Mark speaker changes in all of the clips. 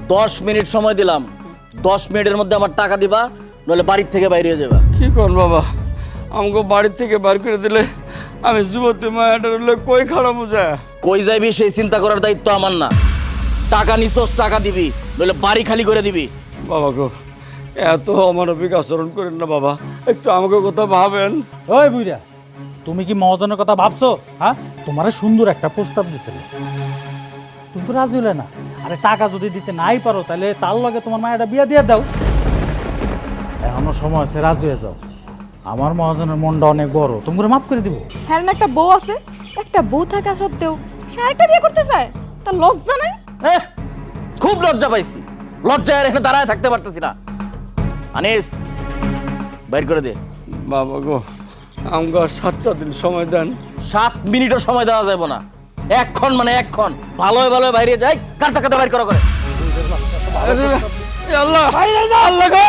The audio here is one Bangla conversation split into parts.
Speaker 1: 10 মিনিট সময় দিলাম, 10 মিনিটের মধ্যে আমার টাকা দিবা, নইলে বাড়ির থেকে বাইরে হয়ে যাবা।
Speaker 2: কি কর বাবা, আমাকে বাড়ির থেকে বার করে দিলে আমি যুবতী মায়াটার কই খারাপ যায়।
Speaker 1: কই যাইবি সেই চিন্তা করার দায়িত্ব আমার না। টাকা নিছস, টাকা দিবি, নইলে বাড়ি খালি করে দিবি।
Speaker 2: বাবা গো, এত অমানবিক আচরণ করেন না বাবা, একটু আমাকে কথা ভাবেন।
Speaker 3: ওই বুইরা, তুমি কি মহাজনের কথা ভাবছো? হ্যাঁ, তোমার সুন্দর একটা প্রস্তাব দিছিল, তুমি তো রাজি হলে না। আরে টাকা যদি দিতে নাই পারো তাহলে তার লগে তোমার মায়েরা বিয়ে দিয়ে দাও। এখনো সময় আছে, রাজি হয়ে যাও। আমার মহাজনের মনটা অনেক বড়, তুমি করে মাফ করে দিব।
Speaker 4: হ্যাঁ না, একটা বউ আছে, একটা বউ থাকা সত্ত্বেও সে আরেকটা বিয়ে করতে চায়, তার লজ্জা নাই?
Speaker 1: খুব লজ্জা পাইছি, লজ্জায় আর এখানে দাঁড়ায় থাকতে পারতেছি না। আনিস, বাইর করে দে।
Speaker 2: বাবা গো, আমাকে আর 7টা দিন সময় দেন।
Speaker 1: 7 মিনিটও সময় দেওয়া যাবে না, এক্ষণ মানে এক্ষণ। ভালোই ভালোই বাইরে যাই, কার টাকাতে বাইর করা করে।
Speaker 2: আল্লাহ আল্লাহ গো,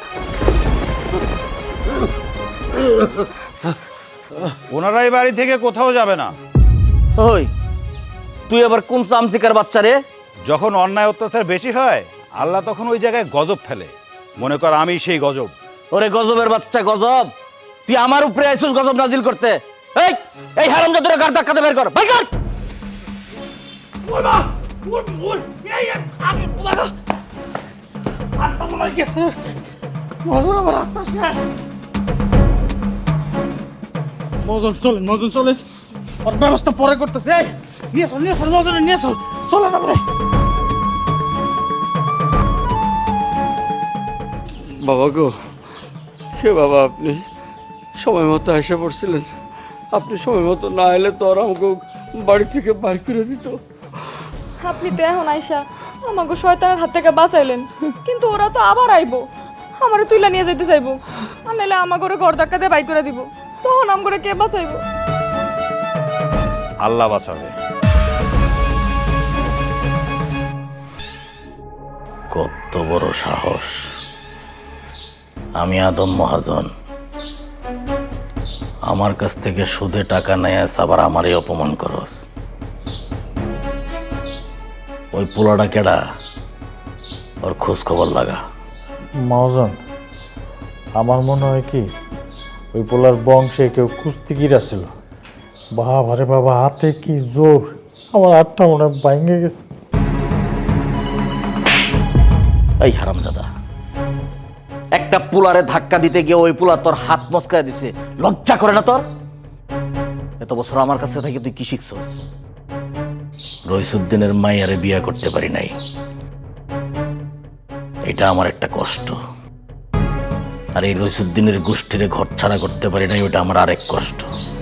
Speaker 5: ওনারাই বাড়ি থেকে কোথাও যাবে না।
Speaker 1: ওই তুই আবার কোন চামচিকার বাচ্চা রে?
Speaker 5: যখন অন্যায় অত্যাচার বেশি হয় আল্লাহ তখন ওই জায়গায় গজব ফেলে। মনে কর আমি সেই গজব।
Speaker 1: ওরে গজবের বাচ্চা গজব, তুই আমার উপরে আইছিস গজব নাজিল করতে। এই এই হারামজাদারে কার টাকাতে বের কর, বাইর কর।
Speaker 3: মহাজন চলেন, মহাজন চলেন, ওর ব্যবস্থা পরে করতেছে। এই নিয়ে চল, নিয়ে চল, মহাজনের নিয়ে চল, চলে যাবে।
Speaker 2: বাবা গো, কে বাবা আপনি? সময় মতো এসে পড়ছিলেন। আপনি সময় মতো না এলে তো আর আমাকে বাড়ি থেকে বার করে দিত।
Speaker 4: আপনি তো এখন আইসা আমাকে শয়তানের হাত থেকে বাঁচাইলেন, কিন্তু ওরা তো আবার আইবো, আমারে তুইলা নিয়ে যেতে চাইবো, আর নাইলে আমাকে ঘর ধাক্কা দিয়ে বাই করে দিব। তখন আমাকে কে বাঁচাইবো?
Speaker 5: আল্লাহ বাঁচাবে।
Speaker 1: কত বড় সাহস! আমি আদম মহাজন, আমার কাছ থেকে সুদে টাকা নেয় আবার আমারই অপমান করস। ওই পোলাটা কেডা? ওর খোঁজ খবর লাগা।
Speaker 3: মহাজন, আমার মনে হয় কি ওই পোলার বংশে কেউ কুস্তিগির ছিল। বাবা রে বাবা, হাতে কি জোর! আমার হাতটা মনে হয় ভাঙে গেছে।
Speaker 1: এই হারামজাদা, একটা পোলারে ধাক্কা দিতে গিয়ে ওই পোলা তোর হাত মচকায় দিছে, লজ্জা করে না তোর? এত বছর আমার কাছে থেকে তুই কি শিখছস? রইসুদ্দিনের মাইয়ারে বিয়ে করতে পারি নাই, এটা আমার একটা কষ্ট। আর এই রইসুদ্দিনের গোষ্ঠীরে ঘর ছাড়া করতে পারি নাই, ওটা আমার আরেক কষ্ট।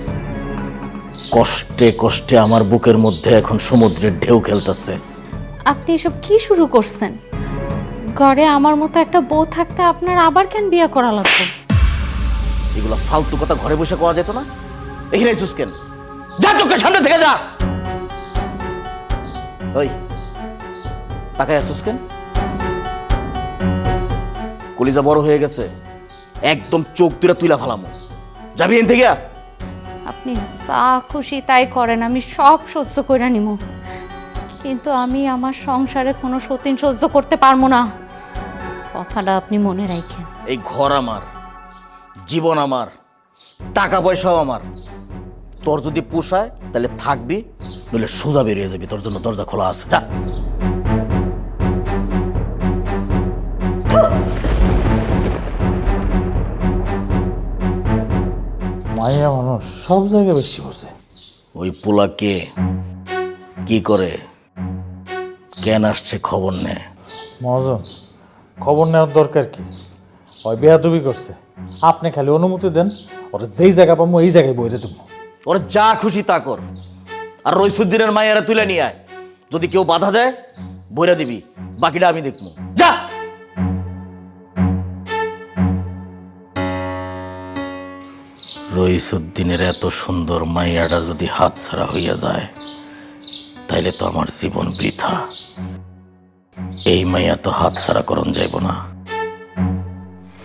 Speaker 1: কষ্টে কষ্টে আমার বুকের মধ্যে এখন সমুদ্রের ঢেউ খেলতেছে।
Speaker 6: আপনি এসব কি শুরু করছেন? ঘরে আমার মতো একটা বউ থাকতে আপনার আবার কেন বিয়ে করা লাগবে?
Speaker 1: এগুলো ফালতু কথা ঘরে বসে করা যেত না? এখানে আইসুস কেন? যা, চোখের সামনে থেকে যা। ওই তাকায় আসুস কেন? কলিজা বড় হয়ে গেছে, একদম চোখ তুইলা তুইলা ফালামো। যাবি এন থেকে?
Speaker 6: আপনি যা খুশি তাই করেন, আমি সব সহ্য করে নিব, কিন্তু আমি আমার সংসারে কোনো সতীন সহ্য করতে পারবো না। কথাটা আপনি মনে রাখেন।
Speaker 1: এই ঘর আমার, জীবন আমার, টাকা পয়সাও আমার। তোর যদি পোষায় তাহলে থাকবি, নইলে সোজা বেরিয়ে যাবি। তোর জন্য দরজা খোলা আছে, যা।
Speaker 3: মাইয়া মানুষ সব জায়গায় বেশি বসে।
Speaker 1: ওই পোলাকে কি করে, কেন আসছে খবর নে।
Speaker 3: মহাজন, খবর নেওয়ার দরকার কি? ওই বেয়াদবি করছে, আপনি খালি অনুমতি দেন, ওরা যেই জায়গা পাবো এই জায়গায় বইরে দেবো।
Speaker 1: ওর যা খুশি তা কর, আর রইসুদ্দিনের মায়েরা তুলে নিয়ে আয়। যদি কেউ বাধা দেয় বইরা দিবি, বাকিটা আমি দেখবো, যা। রইসুদ্দিনের এত সুন্দর মাইয়াটা যদি হাতছাড়া হইয়া যায় তাইলে তো আমার জীবন বৃথা। এই মাইয়া তো হাতছাড়া করন যাইব না।